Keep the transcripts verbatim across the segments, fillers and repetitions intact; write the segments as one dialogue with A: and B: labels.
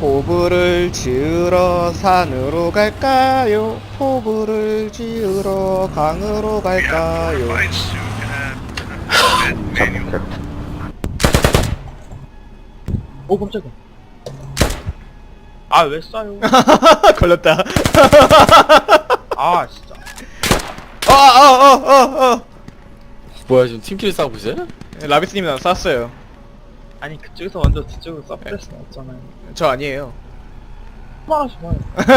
A: 포부를 지으러 산으로 갈까요? 포부를 지으러 강으로 갈까요?
B: 잡혔다.
C: 오 깜짝이야. 아 왜 쏴요?
A: 걸렸다.
C: 아 진짜.
A: 어어어어 어, 어.
D: 뭐야 지금 팀끼리 싸우고 있어요?
A: 라비스님이 나 쐈어요.
C: 아니 그쪽에서 먼저 뒤쪽으로 쏴버릴 수는 없잖아요.
A: 저 아니에요.
C: 말하지 마요.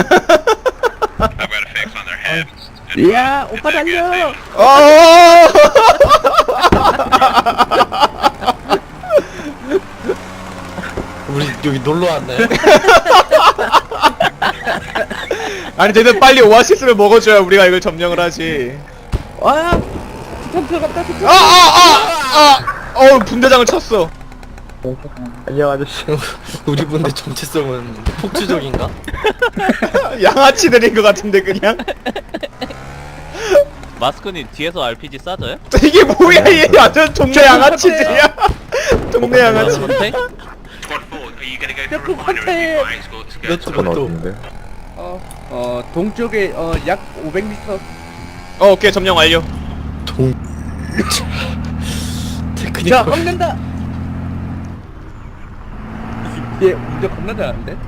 E: 야 오빠 달려.
A: 어.
D: 우리 여기 놀러 왔네.
A: 아니 쟤들 빨리 오아시스를 먹어줘야 우리가 이걸 점령을 하지.
E: 와 좀 들어갔다.
A: 아아아아 어 분대장을 쳤어.
B: 안녕 아저씨.
D: 우리 분들 정체성은 폭주적인가?
A: 양아치들인 것 같은데 그냥.
F: 마스크님 뒤에서 알피지 쏴줘요?
A: 이게 뭐야 얘 완전 동네 양아치들이야. 동네 양아치.
F: 선택?
E: 그 컨테.
D: 몇
B: 그건
D: 도?
B: 어딘데?
E: 어어 동쪽에 어 약 오백 미터.
A: 어 오케이 점령 완료.
D: 동. 테크닉.
E: 자 꺾는다. 얘 운전 겁나 잘하는데.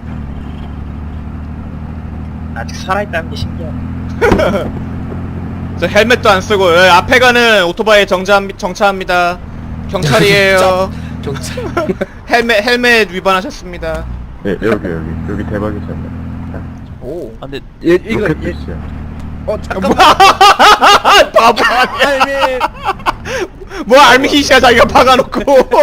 C: 아직 살아있다는 게 신기하네.
A: 저 헬멧도 안 쓰고 예, 앞에 가는 오토바이 정차 정차합니다. 경찰이에요.
D: 경찰.
A: 헬멧 헬멧 위반하셨습니다.
B: 예, 여기 여기 여기 대박이잖아.
A: 오.
F: 아, 근데
E: 얘 이거
B: 로켓
E: 얘.
B: 피스야.
E: 어 잠깐만.
A: 바보 아니야.
E: 아니
A: 뭐 알미히시야 자기가 박아놓고.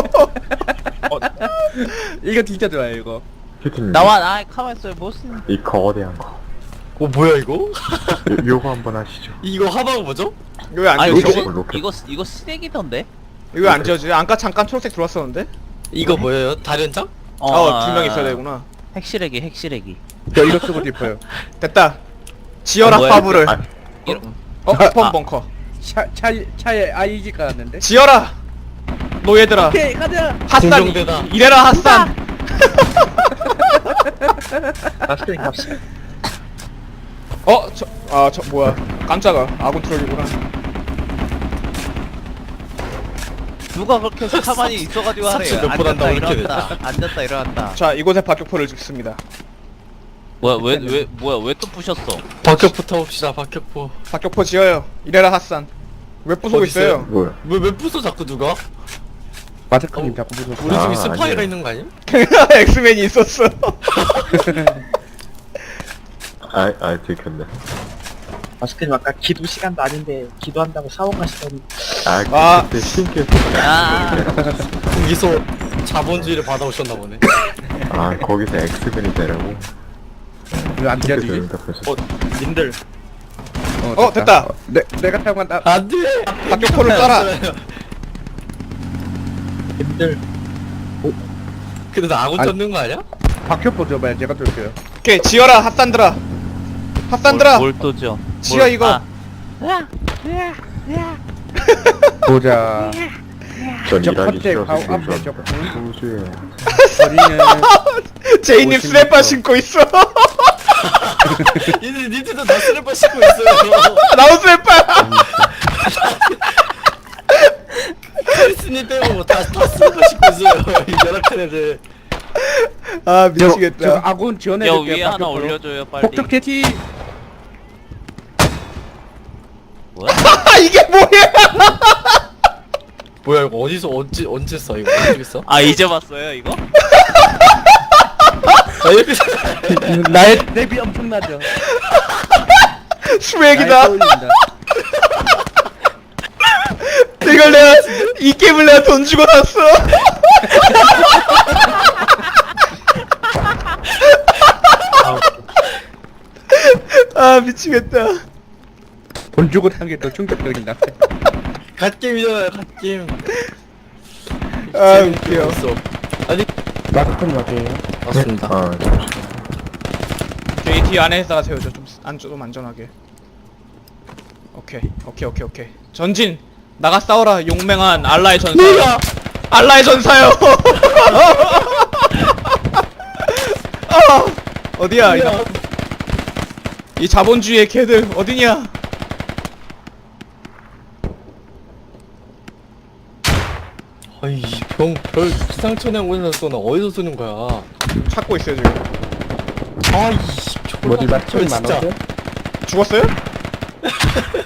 E: 이거 진짜 좋아요 이거.
B: 큐티님.
F: 나와 아 가만있어요 무슨
B: 이 거대한 거.
D: 어 뭐야 이거?
B: 요, 요거 한번 하시죠.
D: 이거 하방 뭐죠?
A: 이거 왜 안
F: 아
A: 지워지?
F: 이거
B: 로켓.
F: 이거 이거 쓰레기던데?
A: 이거 왜 안 지워지? 아까 잠깐 초록색 들어왔었는데?
D: 이거 뭐예요? 다련장?
A: 어 두 명 있어야 되구나.
F: 핵실레기 핵실레기
E: 저 이거 쓰고 싶어요.
A: 됐다. 지어라
F: 어, 뭐야?
A: 파브를.
B: 아,
F: 이런
A: 어
E: 아,
A: 스폰
F: 아.
A: 벙커.
E: 차 차 차에 아이지 깔았는데.
A: 지어라. 노예들아.
E: 오케이 가자.
A: 핫산
D: 공정대다.
A: 이래라 핫산.
C: 마스크님 갑시다.
A: 어 저 아 저 뭐야? 깜짝아. 아군 트롤이구나.
F: 누가 그렇게 해서 가만히 있어가지고 하래요.
D: 삽질 몇번 한다고
F: 앉았다
D: 이렇게
F: 일어났다 앉았다 일어났다.
A: 자 이곳에 박격포를 죽습니다.
F: 뭐야 왜 왜 뭐야 왜 또 부셨어?
D: 박격포 봅시다. 박격포.
A: 박격포 지어요. 이래라 핫산. 왜 부수고
D: 어디 있어요?
A: 있어요?
B: 뭐야?
D: 왜왜 부숴 자꾸 누가?
E: 마스크님
D: 어.
E: 자꾸 무서워.
D: 우리 중에
B: 아,
D: 스파이가
B: 아니에요.
D: 있는 거 아니야?
A: 엑스맨이 있었어.
B: 아, 아 들켰네.
C: 마스크님 아까 기도 시간도 아닌데 기도한다고 사원 가시더니.
B: 아,
A: 아.
B: 그때 신기해서.
F: 아
D: 거기서 자본주의를 받아오셨나 보네.
B: 아, 거기서 엑스맨이 되라고.
E: 왜안
B: 그때
E: 지어지지?
B: 그러니까 벌써.
C: 어 님들
A: 어, 됐다.
E: 내 내가 타고 간다.
D: 안 돼.
A: 박격포를 쏴라.
C: 님들
D: 근데 나 아군
E: 아니.
D: 쫓는 거 아니야?
E: 박효포 줘봐요. 제가 쏠게요.
A: 오케이 지어라 핫산들아. 핫산들아.
F: 뭘또 줘?
A: 지어,
F: 뭘-
A: 이거.
F: 아,
E: 보자.
B: 전
E: 저
B: 일하기
E: 컨택
B: 싫어서
E: 바로 앞에
B: 지금
E: 저
B: 우주에.
E: 거리는
A: 제이님
E: 오십
A: 스레빠
E: 미터.
A: 신고 있어.
D: 얘들 니들도 다 슬리퍼 신고 있어요.
A: 나도 스레빠.
D: 크리스님 빼고 다다 슬리퍼 신고 있어요. 이 열악한 애들.
A: 아
E: 저, 저
A: 미치겠다.
E: 아군 지원해
F: 야
E: 줄게요.
F: 위에 하나
E: 박효포로.
F: 올려줘요 빨리.
E: 폭격 캐치.
F: 뭐야?
A: 아 이게 뭐야?
D: 뭐야 이거 어디서 언제 언제 써 이거 어디 써?
F: 아 이제 봤어요 이거?
D: 아 이렇게
E: 나의 랩이 엄청나죠.
A: 수액이다.
E: 날 떠올린다.
A: 이걸 내가 이 게임을 내가 돈 주고 샀어. 아 미치겠다.
E: 돈 주고 산 게 더 충격적이다.
D: 갓게임이잖아요 갓게임.
A: 아 웃겨.
D: 없어. 아니
E: 마스크님 맞아요.
D: 맞습니다.
B: 아,
A: 저희 뒤 안에다가 세워줘. 좀안좀 안전하게. 오케이 오케이 오케이 오케이. 전진 나가 싸워라 용맹한 알라의 전사. 알라의 전사요. 아! 어디야 이, 나... 이 자본주의의 개들 어디냐?
D: 아이 병별 기상천외 곳에서 쏘나 어디서 쏘는 거야?
A: 찾고 있어요 지금.
D: 아이씨
E: 머리 맞추면
D: 진짜.
E: 많았어?
A: 죽었어요?